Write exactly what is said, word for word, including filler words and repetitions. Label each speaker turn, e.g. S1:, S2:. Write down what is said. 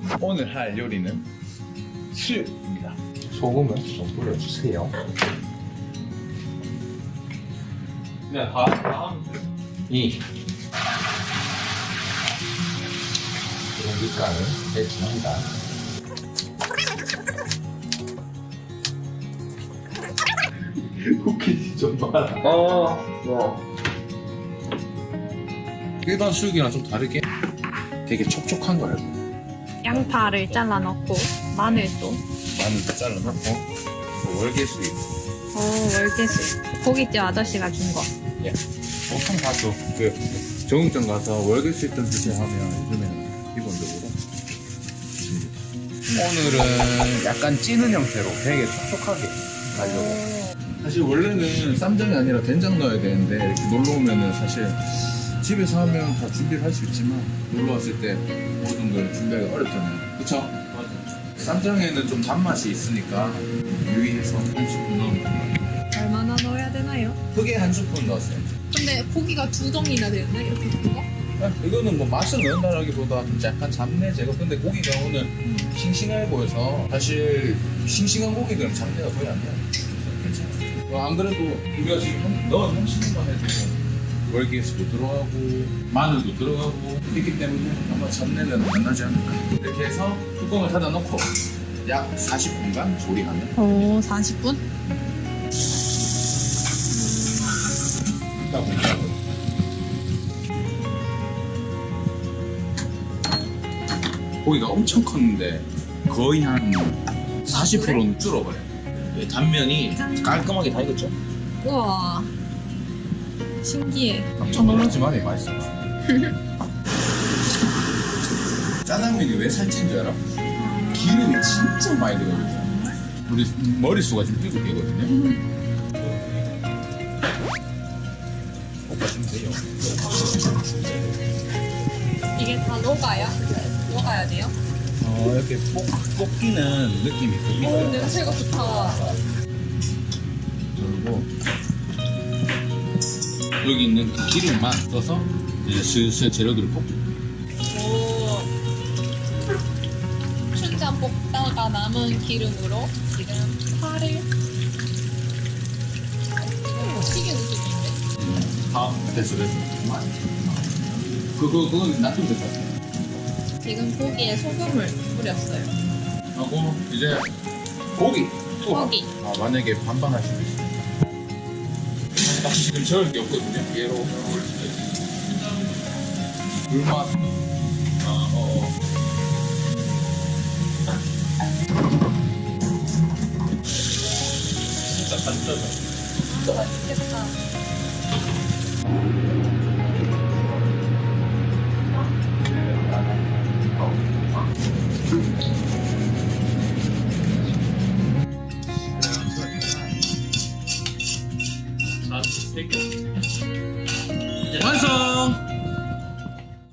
S1: 오늘 할 요리는 수육입니다.
S2: 소금을 좀 뿌려주세요.
S1: 그냥 다, 다 하면 돼요.
S2: 이 고깃간을 해줍니다.
S1: 쿠키 좀 많아.
S2: 어, 뭐 일반 수육이랑 좀 다르게 되게 촉촉한 거예요.
S3: 양파를 잘라 넣고 마늘도.
S2: 마늘도 잘라놓고 뭐 월계수육.
S3: 오, 월계수. 고깃집 아저씨가 준 거.
S2: 예. 보통 가서 그 정육점 가서 월계수육 좀 주세요 하면 요즘에는 기본적으로 줍니다. 오늘은 약간 찌는 형태로 되게 촉촉하게 하려고. 사실 원래는 쌈장이 아니라 된장 넣어야 되는데 이렇게 놀러 오면은 사실 집에서 하면 다 준비를 할 수 있지만 놀러 왔을 때 모든 걸 준비하기 어렵잖아요. 그쵸? 맞아요. 쌈장에는 좀 단맛이 있으니까 유의해서 한 스푼 넣으면 돼요.
S3: 얼마나 넣어야 되나요?
S2: 크게 한 스푼 넣었어요.
S3: 근데 고기가 두 덩이나 되는데 이렇게 큰 거?
S2: 아, 이거는 뭐 맛을 넣는다라기보다 좀 약간 잡내 제거. 근데 고기가 오늘 싱싱해 보여서 사실 싱싱한 고기들은 잡내가 거의 안 나요. 그래서 괜찮아요. 어, 안 그래도 우리가 지금 한- 넣은 형식만 해도 월계수도 들어가고 마늘도 들어가고 있기 때문에 아마 잡내는 안 나지 않을까. 이렇게 해서 뚜껑을 닫아 놓고 약 사십 분간 조리하면
S3: 오, 사십 분?
S2: 딱 온다고. 고기가 엄청 컸는데 거의 한 사십 퍼센트는 줄어버려요. 네, 단면이 깔끔하게 다 익었죠?
S3: 우와. 신기해.
S2: 깜짝 놀라지만 맛있어요. 짜장면이 왜 살찐 줄 알아? 기름이 진짜 많이 들어가요. 우리 머릿수가 지금 일곱 개거든요. 볶아주면 돼요.
S3: 이게 다 녹아요? 녹아야 돼요?
S2: 어, 이렇게 볶, 볶이는 느낌이
S3: 오,
S2: 듭니다.
S3: 냄새가 좋다.
S2: 그리고 여기 있는 그 기름만 써서 이제 슬슬 재료들을 볶고.
S3: 오. 춘장 볶다가 남은 기름으로 지금 파를 지금 튀긴 느낌인데?
S2: 다 됐어, 됐어. 그거, 그건 놔두면 될 것 같아요.
S3: 지금 고기에 소금을 뿌렸어요.
S2: 하고 이제 고기 또
S3: 고기.
S2: 아, 만약에 반반 할 수도 있습니다. 딱 지금 저을 게 없거든요. 얘로 불맛 아, 어, 어. 진짜 간짜죠.
S3: 진짜 맛있겠다.
S1: 나도 스테이크.